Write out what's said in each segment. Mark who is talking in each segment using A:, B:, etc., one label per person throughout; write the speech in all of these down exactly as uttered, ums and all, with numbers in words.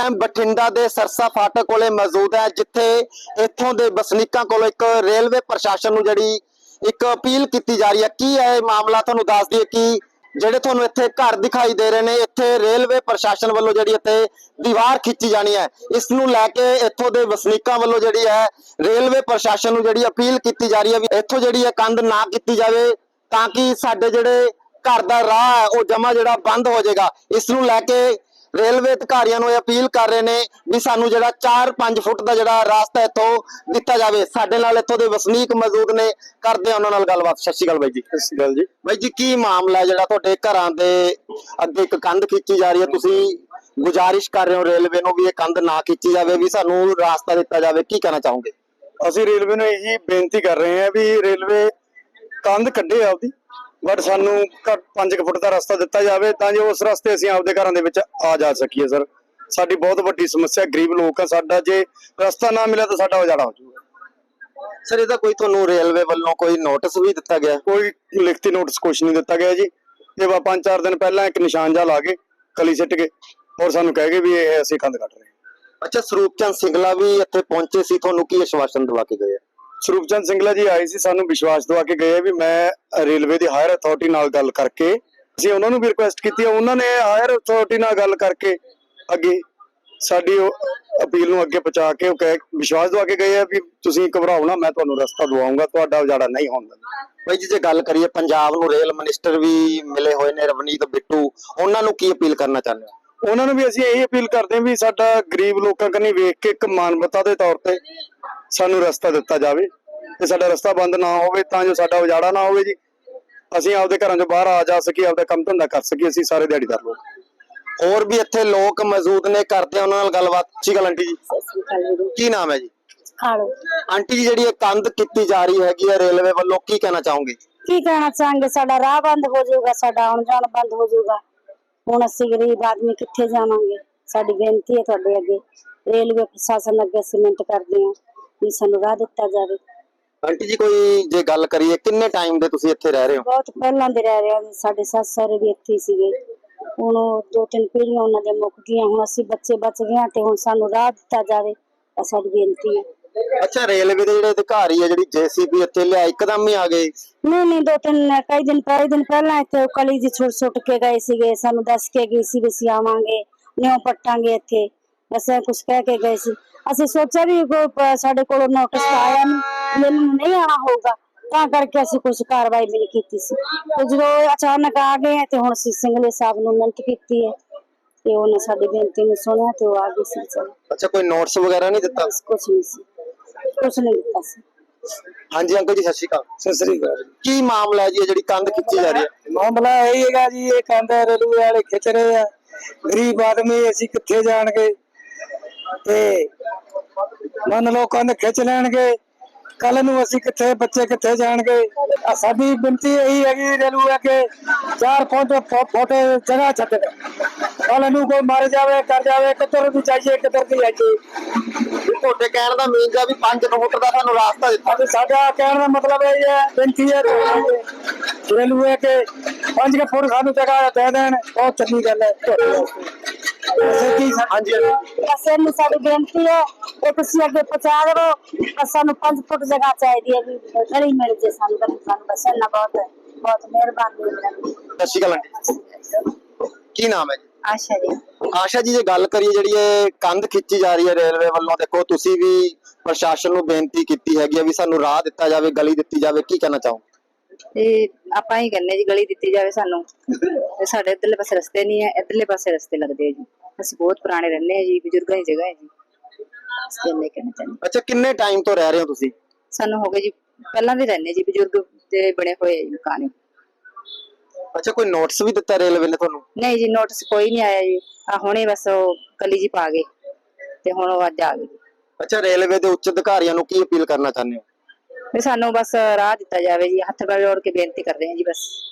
A: Time Bathinda दे सरसा फाटक कोले मौजूद है, जिथे इत्थों दे वसनीकां कोलों एक रेलवे प्रशासन नूं जिहड़ी एक अपील की जा रही है। की है मामला, तुहानूं दस दईए कि ਜਿਹੜੇ ਤੁਹਾਨੂੰ ਇੱਥੇ ਘਰ ਦਿਖਾਈ ਦੇ ਰਹੇ ਨੇ, ਇੱਥੇ ਰੇਲਵੇ ਪ੍ਰਸ਼ਾਸਨ ਵੱਲੋਂ ਜਿਹੜੀ ਇੱਥੇ ਦੀਵਾਰ ਖਿੱਚੀ ਜਾਣੀ ਹੈ। ਇਸ ਨੂੰ ਲੈ ਕੇ ਇੱਥੋਂ ਦੇ ਵਸਨੀਕਾਂ ਵੱਲੋਂ ਜਿਹੜੀ ਹੈ ਰੇਲਵੇ ਪ੍ਰਸ਼ਾਸਨ ਨੂੰ ਜਿਹੜੀ ਅਪੀਲ ਕੀਤੀ ਜਾ ਰਹੀ ਹੈ ਵੀ ਇੱਥੋਂ ਜਿਹੜੀ ਹੈ ਕੰਧ ਨਾ ਕੀਤੀ ਜਾਵੇ, ਤਾਂ ਕਿ ਸਾਡੇ ਜਿਹੜੇ ਘਰ ਦਾ ਰਾਹ ਹੈ ਉਹ ਜਮਾ ਜਿਹੜਾ ਬੰਦ ਹੋ ਜਾਏਗਾ। ਇਸ ਨੂੰ ਲੈ ਕੇ रेलवे अधिकारियों को अपील कर रहे हैं भी सानू जो चार पांच फुट का जो रास्ता इतों दिता जाए। साडे नाल इत्थों दे वसनीक मौजूद ने, करते हैं उन्हां नाल गलबात। सत श्री अकाल बाई जी।
B: सत श्री अकाल जी।
A: बाई जी, की मामला है जिहड़ा तुहाडे घरां दे अगे एक कंध खिंची जा रही है, तुसीं गुजारिश कर रहे हो रेलवे नूं भी ये कंध ना खिंची जाए, भी सानू रास्ता दिता जाए, की कहना चाहोगे?
B: असीं रेलवे नूं यही बेनती कर रहे हैं भी रेलवे कंध कड्ढे आपदी, बट सानू पांच फुट का रास्ता दिता जाए तां जो उस रास्ते असीं आपदे घरां दे विच आ जा सकीए। सर साडी बहुत वड्डी समस्या, गरीब लोग आ, साडा जे रास्ता ना मिले तो साडा उजाड़ा हो जाऊगा।
A: सर इहदा कोई तुहानूं रेलवे वल्लों कोई नोटिस भी दिता गया?
B: कोई लिखती नोटिस कुछ नहीं दिता गया जी। ये वा पांच चार दिन पहला एक निशान जा ला के कली सिट के और सानू कह गए भी ये असीं कंध कट रहे हैं।
A: अच्छा, स्वरूप चंद सिंगला भी इत्थे पहुंचे सी, तुहानूं की आश्वासन दिवा के गए?
B: ਸਰੂਪ ਚੰਦ ਸਿੰਗਲਾ जी आए सी, सानू विश्वास दवा के गए भी मैं रेलवे की हायर अथॉरिटी नाल गल करके ਅਸੀਂ ਉਹਨਾਂ ਨੂੰ ਵੀ ਰਿਕੁਐਸਟ ਕੀਤੀ। ਉਹਨਾਂ ਨੇ ਹਾਇਰ ਅਥਾਰਟੀ ਨਾਲ ਗੱਲ ਕਰਕੇ ਅੱਗੇ ਸਾਡੀ ਅਪੀਲ ਨੂੰ ਅੱਗੇ ਪਹੁੰਚਾ ਕੇ ਉਹ ਕਹਿ ਵਿਸ਼ਵਾਸ ਦਵਾ ਕੇ ਗਏ ਆ ਵੀ ਤੁਸੀਂ ਘਬਰਾਓ ਨਾ, ਮੈਂ ਤੁਹਾਨੂੰ ਰਸਤਾ ਦਵਾਉਂਗਾ, ਤੁਹਾਡਾ ਉਜਾੜਾ ਨਹੀਂ ਹੋਣ ਦਿੰਦਾ।
A: ਬਾਈ ਜੀ, ਜੇ ਗੱਲ ਕਰੀਏ ਪੰਜਾਬ ਨੂੰ ਰੇਲ ਮਿਨਿਸਟਰ ਵੀ ਮਿਲੇ ਹੋਏ ਨੇ ਰਵਨੀਤ ਬਿੱਟੂ, ਉਹਨਾਂ ਨੂੰ ਕੀ ਅਪੀਲ ਕਰਨਾ ਚਾਹੁੰਦੇ ਹੋ?
B: ਉਹਨਾਂ ਨੂੰ ਵੀ ਅਸੀਂ ਇਹੀ ਅਪੀਲ ਕਰਦੇ ਹਾਂ ਵੀ ਸਾਡਾ ਗਰੀਬ ਲੋਕਾਂ ਕੰਨੀ ਵੇਖ ਕੇ ਇੱਕ ਮਾਨਵਤਾ ਦੇ ਤੌਰ ਤੇ ਸਾਨੂੰ ਰਸਤਾ ਦਿੱਤਾ ਜਾਵੇ ਤੇ ਸਾਡਾ ਰਸਤਾ ਬੰਦ ਨਾ ਹੋਵੇ, ਤਾਂ ਜੋ ਸਾਡਾ ਉਜਾੜਾ ਨਾ ਹੋਵੇ ਜੀ। ਅਸੀਂ ਆਪਦੇ ਘਰਾਂ ਚੋਂ ਬਾਹਰ ਆ ਜਾ ਸਕੀਏ, ਆਪਦਾ ਕੰਮ ਧੰਦਾ ਕਰ ਸਕੀਏ। ਅਸੀਂ ਸਾਰੇ ਦਿਹਾੜੀਦਾਰ ਲੋਕ,
A: ਹੋਰ ਵੀ ਇੱਥੇ ਲੋਕ ਮੌਜੂਦ ਨੇ, ਕਰਦੇ ਆ ਉਹਨਾਂ ਨਾਲ ਗੱਲਬਾਤ। ਸਤਿ ਸ਼੍ਰੀ ਅਕਾਲ ਆਂਟੀ ਜੀ। ਕੀ ਨਾਮ ਹੈ ਜੀ?
C: ਖਾਲੋ।
A: ਆਂਟੀ ਜੀ, ਜਿਹੜੀ ਇਹ ਕੰਧ ਕੀਤੀ ਜਾ ਰਹੀ ਹੈਗੀ ਹੈ ਰੇਲਵੇ ਵੱਲੋਂ, ਕੀ ਕਹਿਣਾ ਚਾਹੋਗੇ?
C: ਕੀ ਕਹਿਣਾ ਚਾਹਾਂਗੇ, ਸਾਡਾ ਰਾਹ ਬੰਦ ਹੋ ਜਾਊਗਾ, ਸਾਡਾ ਆਉਣ ਜਾਣ ਬੰਦ ਹੋ ਜਾਊਗਾ। ਹੁਣ ਅਸੀਂ ਗਰੀਬ ਆਦਮੀ ਕਿੱਥੇ ਜਾਵਾਂਗੇ? ਸਾਡੀ ਬੇਨਤੀ ਹੈ ਤੁਹਾਡੇ ਅੱਗੇ, ਰੇਲਵੇ ਪ੍ਰਸ਼ਾਸਨ ਅੱਗੇ ਅਸੀਂ ਮਿੰਟ ਕਰਦੇ ਹਾਂ ਵੀ ਸਾਨੂੰ ਰਾਹ ਦਿੱਤਾ ਜਾਵੇ।
A: ਆਂਟੀ ਜੀ, ਕੋਈ ਜੇ ਗੱਲ ਕਰੀਏ ਕਿੰਨੇ ਟਾਈਮ ਦੇ ਤੁਸੀਂ ਇੱਥੇ ਰਹਿ ਰਹੇ ਹੋ?
C: ਬਹੁਤ ਪਹਿਲਾਂ ਦੇ ਰਹਿ ਰਹੇ ਹਾਂ। ਸਾਡੇ ਸੱਸ ਸਹੁਰੇ ਵੀ ਇੱਥੇ ਸੀਗੇ, ਹੁਣ ਦੋ ਤਿੰਨ ਪੀੜ੍ਹੀਆਂ ਉਹਨਾਂ ਦੇ ਮੁੱਕ ਗਈਆਂ, ਹੁਣ ਅਸੀਂ ਬੱਚੇ ਬਚ ਗਏ ਤੇ ਹੁਣ ਸਾਨੂੰ ਰਾਹ ਦਿੱਤਾ ਜਾਵੇ, ਤਾਂ ਸਾਡੀ ਬੇਨਤੀ ਹੈ।
A: ਅੱਛਾ, ਰੇਲਵੇ ਦੇ ਜਿਹੜੇ ਅਧਿਕਾਰੀ ਆ ਜਿਹੜੀ ਜੇਸੀਬੀ ਇੱਥੇ ਲਿਆ ਇੱਕਦਮ ਹੀ ਆ ਗਏ?
C: ਨਹੀਂ ਨਹੀਂ, ਦੋ ਤਿੰਨ ਕਈ ਦਿਨ ਕਈ ਦਿਨ ਪਹਿਲਾਂ ਇੱਥੇ ਕਲੀ ਜੀ ਛੁੱਟ ਛੁੱਟ ਕੇ ਗਏ ਸੀਗੇ, ਸਾਨੂੰ ਦੱਸ ਕੇ ਗਏ ਸੀ ਵੀ ਅਸੀਂ ਆਵਾਂਗੇ, ਨਿਉ ਪੱਟਾਂਗੇ ਇੱਥੇ, ਬਸ ਕੁਛ ਕਹਿ ਕੇ ਗਏ ਸੀ। ਅਸੀਂ ਸੋਚਿਆ ਵੀ ਕੋਈ ਸਾਡੇ ਕੋਲ ਨੋਟਿਸ ਆਇਆ ਨਹੀਂ, ਮੈਨੂੰ ਨਹੀਂ ਆਣਾ ਹੋਊਗਾ, ਤਾਂ ਕਰਕੇ ਅਸੀਂ ਕੁਛ ਕਾਰਵਾਈ ਵੀ ਨਹੀਂ ਕੀਤੀ ਸੀ। ਤੇ ਜਦੋਂ ਅਚਾਨਕ ਆ ਗਏ ਤੇ ਹੁਣ ਅਸੀਂ ਸਿੰਗਲੇ ਸਾਹਿਬ ਨੂੰ ਮਿਹਨਤ ਕੀਤੀ ਹੈ ਤੇ ਉਹਨੇ ਸਾਡੀ ਬੇਨਤੀ ਨੂੰ ਸੁਣਿਆ ਤੇ ਉਹ ਆ ਗਏ ਸੀ।
A: ਅੱਛਾ, ਕੋਈ ਨੋਟਿਸ ਵਗੈਰਾ ਨਹੀਂ ਦਿੱਤਾ?
C: ਕੁਛ ਨਹੀਂ ਸੀ, ਕੁਛ ਨਹੀਂ ਦਿੱਤਾ ਸੀ।
A: ਹਾਂਜੀ ਅੰਕਲ ਜੀ, ਸਤਿ ਸ਼੍ਰੀ ਅਕਾਲ।
B: ਸਤਿ ਸ੍ਰੀ ਅਕਾਲ।
A: ਕੀ ਮਾਮਲਾ ਹੈ ਜੀ ਜਿਹੜੀ ਕੰਧ ਖਿੱਚੀ ਜਾ ਰਹੀ ਹੈ?
B: ਮਾਮਲਾ ਇਹ ਹੈਗਾ ਜੀ, ਇਹ ਕੰਧ ਰੇਲਵੇ ਵਾਲੇ ਖਿੱਚ ਰਹੇ ਆ, ਗਰੀਬ ਆਦਮੀ ਅਸੀਂ ਕਿੱਥੇ ਜਾਣਗੇ? ਤੇ ਮੰਨ ਲਓ ਕੰਧ ਖਿੱਚ ਲੈਣਗੇ, ਕੱਲ ਨੂੰ ਅਸੀਂ ਕਿੱਥੇ, ਬੱਚੇ ਕਿੱਥੇ ਜਾਣਗੇ? ਸਾਡੀ ਬੇਨਤੀ ਇਹੀ ਹੈਗੀ ਰੇਲਵੇ ਅੱਗੇ, ਚਾਰ ਫੁੱਟ ਫੁੱਟ ਜਗ੍ਹਾ ਛੱਡ, ਕੱਲ ਨੂੰ ਕੋਈ ਮਰ ਜਾਵੇ ਕਰ ਜਾਵੇ, ਕਿੱਧਰ ਵੀ ਜਾਈਏ ਕਿੱਧਰ ਵੀ ਆਈਏ।
A: ਤੁਹਾਡੇ ਕਹਿਣ ਦਾ ਮੀਨਸ ਹੈ ਵੀ ਪੰਜ ਫੁੱਟ ਦਾ ਸਾਨੂੰ ਰਾਸਤਾ ਦਿੱਤਾ।
B: ਸਾਡਾ ਕਹਿਣ ਦਾ ਮਤਲਬ ਇਹ ਹੈ, ਬੇਨਤੀ ਹੈ ਰੇਲਵੇ ਕੇ ਪੰਜ ਫੁੱਟ ਸਾਨੂੰ ਜਗ੍ਹਾ ਦੇ ਦੇਣ, ਬਹੁਤ ਚੰਗੀ ਗੱਲ ਹੈ।
A: ਹਾਂਜੀ,
C: ਬਸ ਇਹਨੂੰ ਸਾਡੀ ਬੇਨਤੀ ਹੈ ਇਹ ਤੁਸੀਂ ਅੱਗੇ ਪਹੁੰਚਾ ਦਿਓ, ਸਾਨੂੰ ਪੰਜ ਫੁੱਟ ਜਗ੍ਹਾ ਚਾਹੀਦੀ ਹੈ ਵੀ ਗਲੀ ਮਿਲ ਜੇ ਸਾਨੂੰ, ਸਾਨੂੰ ਬਸ ਇੰਨਾ ਬਹੁਤ ਹੈ, ਬਹੁਤ ਮਿਹਰਬਾਨੀ ਹੈ।
A: ਸਤਿ ਸ਼੍ਰੀ ਅਕਾਲ ਆਂਟੀ, ਕੀ ਨਾਮ ਹੈ ਜੀ?
C: ਆਸ਼ਾ ਜੀ।
A: ਆਸ਼ਾ ਜੀ, ਜੇ ਗੱਲ ਕਰੀਏ ਜਿਹੜੀ ਇਹ ਕੰਧ ਖਿੱਚੀ ਜਾ ਰਹੀ ਹੈ ਰੇਲਵੇ ਵੱਲੋਂ, ਦੇਖੋ ਤੁਸੀਂ ਵੀ ਪ੍ਰਸ਼ਾਸਨ ਨੂੰ ਬੇਨਤੀ ਕੀਤੀ ਹੈਗੀ ਆ ਵੀ ਸਾਨੂੰ ਰਾਹ ਦਿੱਤਾ ਜਾਵੇ, ਗਲੀ ਦਿੱਤੀ ਜਾਵੇ, ਕੀ ਕਹਿਣਾ ਚਾਹੋ?
D: ਤੇ ਆਪਾਂ ਹੀ ਕਹਿੰਦੇ ਜੀ ਗਲੀ ਦਿੱਤੀ ਜਾਵੇ ਸਾਨੂੰ, ਤੇ ਸਾਡੇ ਇੱਧਰਲੇ ਪਾਸੇ ਰਸਤੇ ਨਹੀਂ ਹੈ, ਇੱਧਰਲੇ ਪਾਸੇ ਰਸਤੇ ਲੱਗਦੇ ਆ ਜੀ। ਅਸੀਂ ਬਹੁਤ ਪੁਰਾਣੇ ਰਹਿੰਦੇ ਆ ਜੀ, ਬਜ਼ੁਰਗਾਂ ਦੀ ਜਗ੍ਹਾ ਹੈ ਜੀ। ਕਹਿਣਾ ਚਾਹੁੰਦੇ।
A: ਅੱਛਾ, ਕਿੰਨੇ ਟਾਈਮ ਤੋਂ ਰਹਿ ਰਹੇ ਹੋ ਤੁਸੀਂ?
D: ਸਾਨੂੰ ਹੋ ਗਏ ਜੀ, ਪਹਿਲਾਂ ਦੇ ਰਹਿੰਦੇ ਜੀ, ਬਜ਼ੁਰਗ ਦੇ ਬਣੇ ਹੋਏ ਜੀ ਮਕਾਨ।
A: ਅੱਛਾ, ਕੋਈ ਨੋਟਿਸ ਵੀ ਦਿੱਤਾ ਰੇਲਵੇ ਨੇ ਤੁਹਾਨੂੰ?
D: ਨਹੀਂ ਜੀ, ਨੋਟਿਸ ਕੋਈ ਨਹੀਂ ਆਇਆ ਜੀ, ਆ ਹੁਣੇ ਬਸ ਉਹ ਕਲੀ ਜੀ ਪਾ ਗਏ ਤੇ ਹੁਣ ਉਹ ਅੱਜ ਆ ਗਏ।
A: ਅੱਛਾ, ਰੇਲਵੇ ਦੇ ਉੱਚ ਅਧਿਕਾਰੀਆਂ ਨੂੰ ਕੀ ਅਪੀਲ ਕਰਨਾ ਚਾਹੁੰਦੇ ਹੋ?
D: ਵੀ ਸਾਨੂੰ ਬਸ ਰਾਹ ਦਿੱਤਾ ਜਾਵੇ ਜੀ, ਹੱਥ ਜੋੜ ਕੇ ਬੇਨਤੀ ਕਰ ਰਹੇ ਹਾਂ ਜੀ ਬਸ।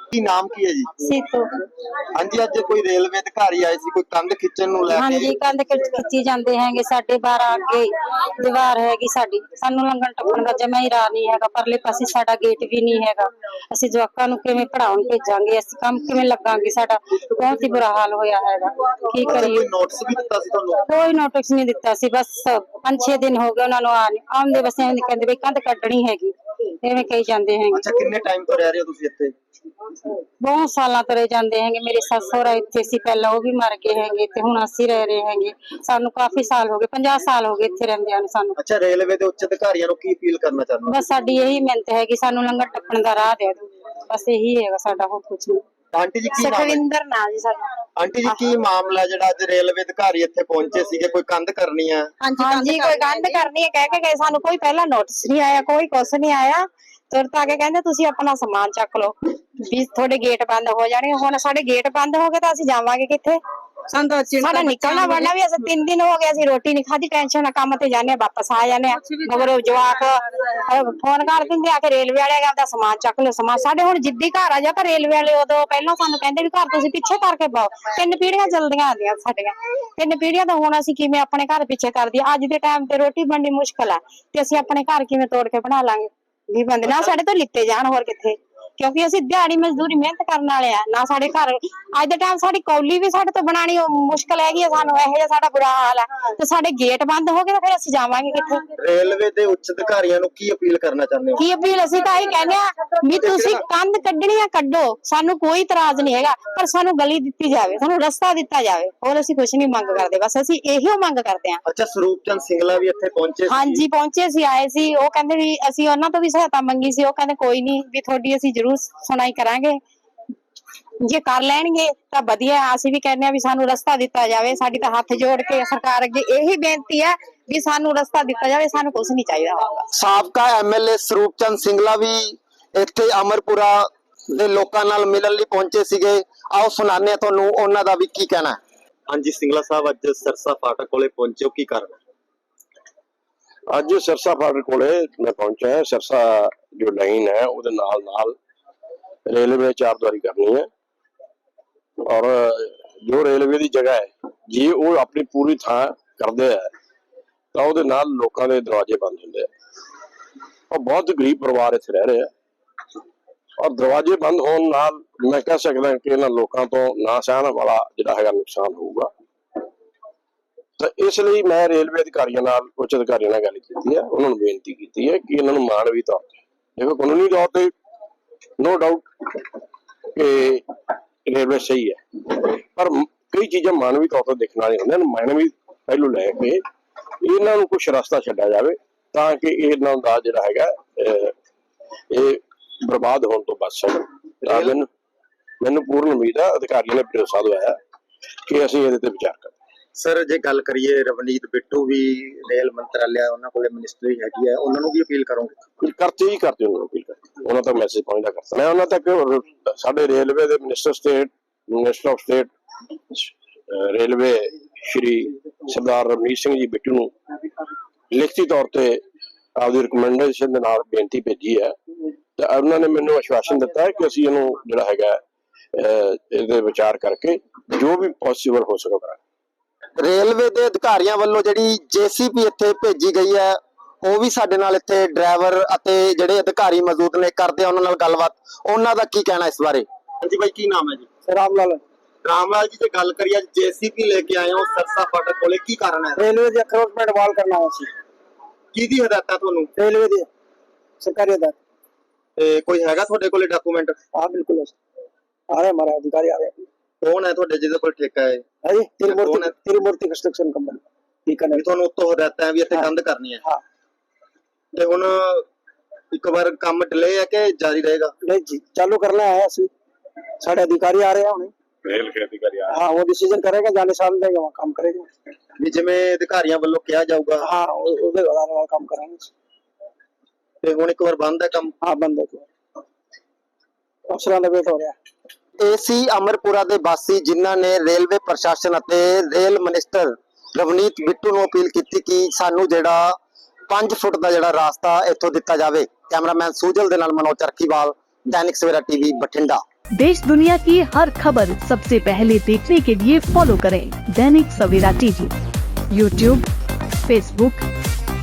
A: ਕੀ ਨਾਮ ਕੀ ਹੈ ਜੀ?
C: ਸੀਤੋ
A: ਹਾਂਜੀ, ਅੱਜ ਕੋਈ ਰੇਲਵੇ ਅਧਿਕਾਰੀ ਆਏ ਸੀ, ਕੋਈ ਕੰਧ ਖਿੱਚਣ ਨੂੰ ਲੈ
C: ਹਾਂਜੀ
A: ਕੇ।
C: ਕੰਧ ਖਿੱਚ- ਖਿੱਚੀ ਜਾਂਦੇ ਹੈਗੇ। ਸਾਡੇ ਬਾਰਾਂ ਅੱਗੇ ਦੀਵਾਰ ਹੈਗੀ ਸਾਡੀ, ਸਾਨੂੰ ਲੰਘਣ ਟੱਪਣ ਦਾ ਜਮਾ ਹੀ ਰਾਹ ਨਹੀਂ ਹੈਗਾ। ਪਰਲੇ ਪਾਸੇ ਸਾਡਾ ਗੇਟ ਵੀ ਨਹੀਂ ਹੈਗਾ। ਅਸੀਂ ਜਵਾਕਾਂ ਨੂੰ ਕਿਵੇਂ ਪੜਾਉਣ ਭੇਜਾਂਗੇ? ਅਸੀਂ ਕੰਮ ਕਿਵੇਂ ਲੱਗਾਂਗੇ? ਸਾਡਾ ਬਹੁਤ ਹੀ ਬੁਰਾ ਹਾਲ ਹੋਇਆ ਹੈਗਾ। ਕੀ
A: ਅੱਛਾ,
C: ਕਰੀਏ?
A: ਕੋਈ ਨੋਟਿਸ ਵੀ ਦਿੱਤਾ ਸੀ ਤੁਹਾਨੂੰ?
C: ਕੋਈ ਨੋਟਿਸ ਨਹੀਂ ਦਿੱਤਾ ਸੀ। ਬਸ ਪੰਜ ਛੇ ਦਿਨ ਹੋ ਗਏ ਉਹਨਾਂ ਨੂੰ ਆ ਆਉਂਦੇ, ਬਸ ਐਵੇਂ ਕਹਿੰਦੇ ਵੀ ਕੰਧ ਕੱਢਣੀ ਹੈਗੀ, ਐਵੇਂ ਕਹੀ ਜਾਂਦੇ ਹੈਗੇ।
A: ਅੱਛਾ, ਕਿੰਨੇ ਟਾਈਮ ਤੋਂ ਰਹਿ ਰਹੇ ਹੋ ਤੁਸੀਂ ਇੱਥੇ?
C: ਬਹੁਤ ਸਾਲਾਂ ਤੋਂ ਰਹਿ ਜਾਂਦੇ ਹੈਗੇ। ਮੇਰੇ ਸੱਸ ਸਹੁਰਾ ਇੱਥੇ ਸੀ ਪਹਿਲਾਂ, ਉਹ ਵੀ ਮਰ ਗਏ ਹੈਗੇ, ਤੇ ਹੁਣ ਅਸੀਂ ਰਹਿ ਰਹੇ ਹੈਗੇ। ਸਾਨੂੰ ਕਾਫੀ ਸਾਲ ਹੋ ਗਏ, ਪੰਜਾਹ ਸਾਲ ਹੋ ਗਏ ਇੱਥੇ ਰਹਿੰਦਿਆਂ ਨੂੰ ਸਾਨੂੰ।
A: ਅੱਛਾ, ਰੇਲਵੇ ਦੇ ਉੱਚ ਅਧਿਕਾਰੀਆਂ ਨੂੰ ਕੀ ਅਪੀਲ ਕਰਨਾ ਚਾਹੁੰਦੇ ਹੋ?
C: ਬਸ ਸਾਡੀ ਇਹੀ ਮਿਹਨਤ ਹੈ ਕਿ ਸਾਨੂੰ ਲੰਗਰ ਟੱਪਣ ਦਾ ਰਾਹ ਦੇ ਦਿਓ, ਬਸ ਇਹੀ ਹੈਗਾ ਸਾਡਾ, ਹੋਰ ਕੁਝ ਨਹੀਂ।
A: ਆਂਟੀ ਜੀ, ਕੀ ਨਾਮ ਹੈ?
C: ਸੁਖਵਿੰਦਰ ਨਾਂ ਜੀ ਸਾਡਾ।
A: ਆਂਟੀ ਜੀ, ਕੀ ਮਾਮਲਾ ਜਿਹੜਾ ਅੱਜ ਰੇਲਵੇ ਅਧਿਕਾਰੀ ਇੱਥੇ ਪਹੁੰਚੇ ਸੀਗੇ? ਕੋਈ ਕੰਧ ਕਰਨੀ ਹੈ?
E: ਹਾਂਜੀ ਕੋਈ ਕੰਧ ਕਰਨੀ ਹੈ ਕਹਿ ਕੇ ਗਏ, ਸਾਨੂੰ ਕੋਈ ਪਹਿਲਾਂ ਨੋਟਿਸ ਨਹੀਂ ਆਇਆ, ਕੋਈ ਕੁਛ ਨਹੀਂ ਆਇਆ। ਤੁਰਤ ਆ ਕੇ ਕਹਿੰਦੇ ਤੁਸੀਂ ਆਪਣਾ ਸਮਾਨ ਚੱਕ ਲਓ, ਵੀ ਤੁਹਾਡੇ ਗੇਟ ਬੰਦ ਹੋ ਜਾਣਗੇ। ਹੁਣ ਸਾਡੇ ਗੇਟ ਬੰਦ ਹੋ ਗਏ ਤਾਂ ਅਸੀਂ ਜਾਵਾਂਗੇ ਕਿੱਥੇ? ਸਾਡਾ ਨਿਕਲਣਾ ਬਣਨਾ ਵੀ, ਅਸੀਂ ਤਿੰਨ ਦਿਨ ਹੋ ਗਏ ਅਸੀਂ ਰੋਟੀ ਨਹੀਂ ਖਾਧੀ। ਟੈਨਸ਼ਨ ਨਾਲ ਕੰਮ ਤੇ ਜਾਂਦੇ, ਵਾਪਸ ਆ ਜਾਂਦੇ ਆ, ਮਗਰ ਜਵਾਕ ਫੋਨ ਕਰ ਦਿੰਦੇ ਆ ਕਿ ਰੇਲਵੇ ਵਾਲੇ ਆਪਦਾ ਸਮਾਨ ਚੱਕ ਲਓ। ਸਮਾਨ ਸਾਡੇ ਹੁਣ ਜਿੱਦੀ ਘਰ ਆ ਜਾ ਤਾਂ ਰੇਲਵੇ ਵਾਲੇ ਉਦੋਂ ਪਹਿਲਾਂ ਸਾਨੂੰ ਕਹਿੰਦੇ ਵੀ ਘਰ ਤੁਸੀਂ ਪਿੱਛੇ ਕਰਕੇ ਪਾਓ। ਤਿੰਨ ਪੀੜ੍ਹੀਆਂ ਜਲਦੀਆਂ ਆਉਂਦੀਆਂ ਸਾਡੀਆਂ, ਤਿੰਨ ਪੀੜ੍ਹੀਆਂ ਤਾਂ ਹੁਣ ਅਸੀਂ ਕਿਵੇਂ ਆਪਣੇ ਘਰ ਪਿੱਛੇ ਕਰਦੀ? ਅੱਜ ਦੇ ਟਾਈਮ ਤੇ ਰੋਟੀ ਬਣਨੀ ਮੁਸ਼ਕਲ ਆ, ਤੇ ਅਸੀਂ ਆਪਣੇ ਘਰ ਕਿਵੇਂ ਤੋੜ ਕੇ ਬਣਾ ਲਾਂਗੇ? ਵੀ ਬੰਦੇ ਨਾ ਸਾਡੇ ਤੋਂ ਲਿੱਤੇ ਜਾਣ, ਹੋਰ ਕਿੱਥੇ? ਕਿਉਂਕਿ ਅਸੀਂ ਦਿਹਾੜੀ ਮਜ਼ਦੂਰੀ ਮਿਹਨਤ ਕਰਨ ਵਾਲੇ ਆ ਨਾ। ਸਾਡੇ ਘਰ ਅੱਜ ਦੇ ਟਾਈਮ ਸਾਡੀ ਕੌਲੀ ਵੀ ਸਾਡੇ ਤੋਂ ਬਣਾਣੀ ਮੁਸ਼ਕਲ ਹੈਗੀ ਆ। ਸਾਨੂੰ ਇਹੋ ਜਿਹਾ ਸਾਡਾ ਬੁਰਾ ਹਾਲ ਹੈ, ਤੇ ਸਾਡੇ ਗੇਟ ਬੰਦ ਹੋ ਗਏ ਤਾਂ ਫਿਰ ਅਸੀਂ ਜਾਵਾਂਗੇ ਕਿੱਥੇ?
A: ਰੇਲਵੇ ਦੇ ਉੱਚ ਅਧਿਕਾਰੀਆਂ ਨੂੰ ਕੀ ਅਪੀਲ ਕਰਨਾ ਚਾਹੁੰਦੇ ਹੋ?
E: ਕੀ ਅਪੀਲ ਅਸੀਂ ਤਾਂ ਇਹ ਕਹਿੰਦੇ ਆ ਵੀ ਤੁਸੀਂ ਕੰਧ ਕੱਢਣੀ ਆ ਕੱਢੋ, ਸਾਨੂੰ ਕੋਈ ਇਤਰਾਜ਼ ਨਹੀਂ ਹੈਗਾ, ਪਰ ਸਾਨੂੰ ਗਲੀ ਦਿੱਤੀ ਜਾਵੇ, ਸਾਨੂੰ ਰਸਤਾ ਦਿੱਤਾ ਜਾਵੇ। ਹੋਰ ਅਸੀਂ ਕੁਝ ਨਹੀਂ ਮੰਗ ਕਰਦੇ, ਬਸ ਅਸੀਂ ਇਹੀ ਮੰਗ ਕਰਦੇ ਆ।
A: ਅੱਛਾ, ਸਰੂਪ ਚੰਦ ਸਿੰਗਲਾ ਵੀ ਇੱਥੇ ਪਹੁੰਚੇ ਸੀ?
E: ਹਾਂਜੀ ਪਹੁੰਚੇ ਸੀ, ਆਏ ਸੀ। ਉਹ ਕਹਿੰਦੇ ਵੀ ਅਸੀਂ ਉਹਨਾਂ ਤੋਂ ਵੀ ਸਹਾਇਤਾ ਮੰਗੀ ਸੀ, ਉਹ ਕਹਿੰਦੇ ਕੋਈ ਨਹੀਂ ਵੀ ਤੁਹਾਡੀ ਅਸੀਂ ਜ਼ਰੂਰ ਸੁਣਾਈ ਕਰਾਂਗੇ, ਜੇ ਕਰ ਲੈਣਗੇ ਤਾਂ ਵਧੀਆ। ਅਸੀਂ ਵੀ ਕਹਿੰਦੇ ਆ ਵੀ ਸਾਨੂੰ ਰਸਤਾ ਦਿੱਤਾ ਜਾਵੇ। ਸਾਡੀ ਤਾਂ ਹੱਥ ਜੋੜ ਕੇ ਸਰਕਾਰ ਅੱਗੇ ਇਹੀ ਬੇਨਤੀ ਹੈ ਵੀ ਸਾਨੂੰ ਰਸਤਾ ਦਿੱਤਾ ਜਾਵੇ, ਸਾਨੂੰ ਕੁਝ ਨਹੀਂ ਚਾਹੀਦਾ।
A: ਸਾਬਕਾ ਐਮਐਲਏ ਸਰੂਪ ਚੰਦ ਸਿੰਗਲਾ ਵੀ ਇੱਥੇ ਅਮਰਪੁਰਾ ਦੇ ਲੋਕਾਂ ਨਾਲ ਮਿਲਣ ਲਈ ਪਹੁੰਚੇ ਸੀਗੇ। ਆਓ ਸੁਣਾਉਂਦੇ ਆ ਤੁਹਾਨੂੰ ਉਹਨਾਂ ਦਾ ਵੀ ਕੀ ਕਹਿਣਾ ਹੈ। ਹਾਂਜੀ ਸਿੰਗਲਾ ਸਾਹਿਬ, ਅੱਜ ਸਰਸਾ ਫਾਟਕ ਕੋਲੇ ਪਹੁੰਚੇ ਹੋ, ਕੀ ਕਾਰਨ?
F: ਅੱਜ ਸਿਰਸਾ ਫਾਟਕ ਕੋਲੇ ਮੈਂ ਪਹੁੰਚਿਆ। ਸਿਰਸਾ ਜੋ ਲਾਈਨ ਹੈ ਉਹਦੇ ਨਾਲ ਨਾਲ ਰੇਲਵੇ ਚਾਰ ਦੁਆਰੀ ਕਰਨੀ ਹੈ, ਔਰ ਜੋ ਰੇਲਵੇ ਦੀ ਜਗ੍ਹਾ ਹੈ ਜੇ ਉਹ ਆਪਣੀ ਪੂਰੀ ਥਾਂ ਕਰਦੇ ਆ ਤਾਂ ਉਹਦੇ ਨਾਲ ਲੋਕਾਂ ਦੇ ਦਰਵਾਜ਼ੇ ਬੰਦ ਹੁੰਦੇ ਆ। ਔਰ ਬਹੁਤ ਗਰੀਬ ਪਰਿਵਾਰ ਇੱਥੇ ਰਹਿ ਰਹੇ ਆ, ਔਰ ਦਰਵਾਜ਼ੇ ਬੰਦ ਹੋਣ ਨਾਲ ਮੈਂ ਕਹਿ ਸਕਦਾ ਕਿ ਇਹਨਾਂ ਲੋਕਾਂ ਤੋਂ ਨਾ ਸਹਿਣ ਵਾਲਾ ਜਿਹੜਾ ਹੈਗਾ ਨੁਕਸਾਨ ਹੋਊਗਾ। ਤਾਂ ਇਸ ਲਈ ਮੈਂ ਰੇਲਵੇ ਅਧਿਕਾਰੀਆਂ ਨਾਲ, ਉੱਚ ਅਧਿਕਾਰੀਆਂ ਨਾਲ ਗੱਲ ਕੀਤੀ ਹੈ, ਉਹਨਾਂ ਨੂੰ ਬੇਨਤੀ ਕੀਤੀ ਹੈ ਕਿ ਇਹਨਾਂ ਨੂੰ ਮਾਨਵੀ ਤੌਰ ਤੇ, ਦੇਖੋ ਕਾਨੂੰਨੀ ਤੌਰ ਤੇ ਨੋ ਡਾਊਟ ਕਿ ਰੇਲਵੇ ਸਹੀ ਹੈ, ਪਰ ਕਈ ਚੀਜ਼ਾਂ ਮਾਨਵੀ ਤੌਰ ਤੇ ਦੇਖਣ ਵਾਲੀਆਂ ਹੁੰਦੀਆਂ ਨੇ। ਮਾਨਵੀ ਪਹਿਲੂ ਲੈ ਕੇ ਇਹਨਾਂ ਨੂੰ ਕੁਛ ਰਸਤਾ ਛੱਡਿਆ ਜਾਵੇ ਤਾਂ ਕਿ ਇਹਨਾਂ ਦਾ ਜਿਹੜਾ ਹੈਗਾ ਇਹ ਬਰਬਾਦ ਹੋਣ ਤੋਂ ਬਚ ਸਕਣ। ਤਾਂ ਮੈਨੂੰ ਮੈਨੂੰ ਪੂਰਨ ਉਮੀਦ ਹੈ, ਅਧਿਕਾਰੀਆਂ ਨੇ ਭਰੋਸਾ ਦਵਾਇਆ ਕਿ ਅਸੀਂ ਇਹਦੇ ਤੇ ਵਿਚਾਰ ਕਰਾਂਗੇ।
A: ਸਰ, ਜੇ ਗੱਲ ਕਰੀਏ ਰਵਨੀਤ ਬਿੱਟੂ ਵੀ ਰੇਲ ਮੰਤਰਾਲਿਆ, ਉਹਨਾਂ ਕੋਲੇ ਮਿਨਿਸਟਰੀ ਹੈਗੀ ਹੈ, ਉਹਨਾਂ ਨੂੰ ਵੀ ਅਪੀਲ ਕਰੋਗੇ?
F: ਕਰਤੇ ਹੀ ਕਰਦੇ ਉਹਨਾਂ ਨੂੰ ਅਪੀਲ ਕਰਦੇ, ਉਹਨਾਂ ਤੱਕ ਮੈਸੇਜ ਪਹੁੰਚਦਾ ਕਰਤਾ ਮੈਂ। ਉਹਨਾਂ ਤੱਕ ਸਾਡੇ ਰੇਲਵੇ ਦੇ minister state minister of state railway Shri Sardar Ravneet Singh ji Bittu ਨੂੰ ਲਿਖਤੀ ਤੌਰ ਤੇ ਆਪਦੀ ਰਿਕਮੈਂਡੇਸ਼ਨ ਦੇ ਨਾਲ ਬੇਨਤੀ ਭੇਜੀ ਹੈ, ਤੇ ਉਹਨਾਂ ਨੇ ਮੈਨੂੰ ਆਸ਼ਵਾਸਨ ਦਿੱਤਾ ਹੈ ਕਿ ਅਸੀਂ ਇਹਨੂੰ ਜਿਹੜਾ ਹੈਗਾ ਇਹਦੇ ਵਿਚਾਰ ਕਰਕੇ ਜੋ ਵੀ ਪੋਸੀਬਲ ਹੋ ਸਕੇਗਾ।
A: ਰੇਲਵੇ ਦੇ ਅਧਿਕਾਰੀਆਂ ਵੱਲੋਂ ਜਿਹੜੀ ਜੇਸੀਪੀ ਇੱਥੇ ਭੇਜੀ ਗਈ ਹੈ, ਉਹ ਵੀ ਸਾਡੇ ਨਾਲ ਇੱਥੇ ਡਰਾਈਵਰ ਅਤੇ ਜਿਹੜੇ ਅਧਿਕਾਰੀ ਮੌਜੂਦ ਨੇ, ਕਰਦੇ ਆ ਉਹਨਾਂ ਨਾਲ ਗੱਲਬਾਤ। ਉਹਨਾਂ ਦਾ ਕੀ ਕਹਿਣਾ ਇਸ ਬਾਰੇ? ਹਾਂਜੀ ਬਾਈ, ਕੀ ਨਾਮ ਹੈ ਜੀ?
B: ਰਾਮ ਲਾਲ।
A: ਰਾਮ ਲਾਲ ਜੀ, ਜੇ ਗੱਲ ਕਰੀਏ ਜੇਸੀਪੀ ਲੈ ਕੇ ਆਏ ਹੋ ਸਰਸਾ ਫਾਟਕ ਕੋਲੇ, ਕੀ ਕਾਰਨ ਹੈ?
B: ਰੇਲਵੇ ਦੀ ਅਖਰੋਟਮੈਂਟ ਵਾਲ ਕਰਨਾ ਹੈ ਸੀ।
A: ਕਿਹਦੀ ਹਦਾਇਤਾਂ ਤੁਹਾਨੂੰ?
B: ਰੇਲਵੇ ਦੀ ਸਰਕਾਰੀ ਹਦਾਇਤ।
A: ਤੇ ਕੋਈ ਹੈਗਾ ਤੁਹਾਡੇ ਕੋਲੇ ਡਾਕੂਮੈਂਟ?
B: ਹਾਂ ਬਿਲकुल ਆ ਰਹੇ ਹਮਾਰੇ अधिकारी आ रहे।
A: ਕੌਣ ਹੈ ਤੁਹਾਡੇ ਜਿਹਦੇ ਕੋਲ ਠੇਕਾ ਹੈ?
B: ਹਾਂਜੀ, ਤਿਰਮੂਰਤੀ ਤਿਰਮੂਰਤੀ ਕੰਸਟਰਕਸ਼ਨ ਕੰਪਨੀ। ਠੀਕ ਹੈ,
A: ਵੀ ਤੁਹਾਨੂੰ ਉੱਤੋਂ ਹਦਾਇਤਾਂ ਵੀ ਇੱਥੇ ਕੰਧ ਕਰਨੀ ਹੈ?
B: ਹਾਂ।
A: ਤੇ ਹੁਣ ਇੱਕ ਵਾਰ ਕੰਮ ਡਿਲੇ ਹੈ ਕਿ ਜਾਰੀ ਰਹੇਗਾ?
B: नहीं जी, चालू करना है। ਅਸੀਂ ਸਾਡੇ ਅਧਿਕਾਰੀ ਆ ਰਹੇ ਹਨ,
F: ਰੇਲ ਦੇ ਅਧਿਕਾਰੀ ਆ
B: ਹਾਂ, ਉਹ ਡਿਸੀਜਨ ਕਰੇਗਾ, ਜਾਣੇ ਸਾਲ ਦੇਗਾ, ਵਹਾਂ ਕੰਮ करेगा।
A: ਵੀ ਜਿਵੇਂ ਅਧਿਕਾਰੀਆਂ ਵੱਲੋਂ ਕਿਹਾ ਜਾਊਗਾ?
B: ਹਾਂ, ਉਹਦੇ ਆਧਾਰ ਨਾਲ ਕੰਮ ਕਰਾਂਗੇ।
A: ਤੇ ਹੁਣ ਇੱਕ ਵਾਰ ਬੰਦ ਹੈ ਕੰਮ?
B: ਹਾਂ, ਬੰਦ ਹੈ, ਅਫਸਰਾਂ ਦਾ ਵੇਟ ਹੋ ਰਿਹਾ।
A: ਇਹ ਸੀ ਅਮਰਪੁਰਾ ਦੇ ਵਾਸੀ ਜਿਨ੍ਹਾਂ ਨੇ ਰੇਲਵੇ ਪ੍ਰਸ਼ਾਸਨ ਅਤੇ ਰੇਲ ਮਿਨਿਸਟਰ ਰਵਨੀਤ ਬਿੱਟੂ ਨੂੰ ਅਪੀਲ ਕੀਤੀ ਕਿ ਸਾਨੂੰ ਜਿਹੜਾ ਪੰਜ ਫੁੱਟ ਦਾ ਜਿਹੜਾ ਰਾਸਤਾ ਇੱਥੋਂ ਦਿੱਤਾ ਜਾਵੇ। ਕੈਮਰਾਮੈਨ ਸੂਜਲ ਦੇ ਨਾਲ ਮਨੋਜ ਚਰਖੀਵਾਲ, ਦੈਨਿਕ ਸਵੇਰਾ ਟੀਵੀ, ਬਠਿੰਡਾ।
G: देश दुनिया की हर खबर सबसे पहले देखने के लिए फॉलो करें Dainik Savera TV, YouTube, Facebook,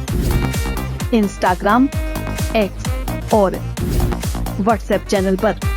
G: Instagram, X और व्हाट्सएप चैनल पर।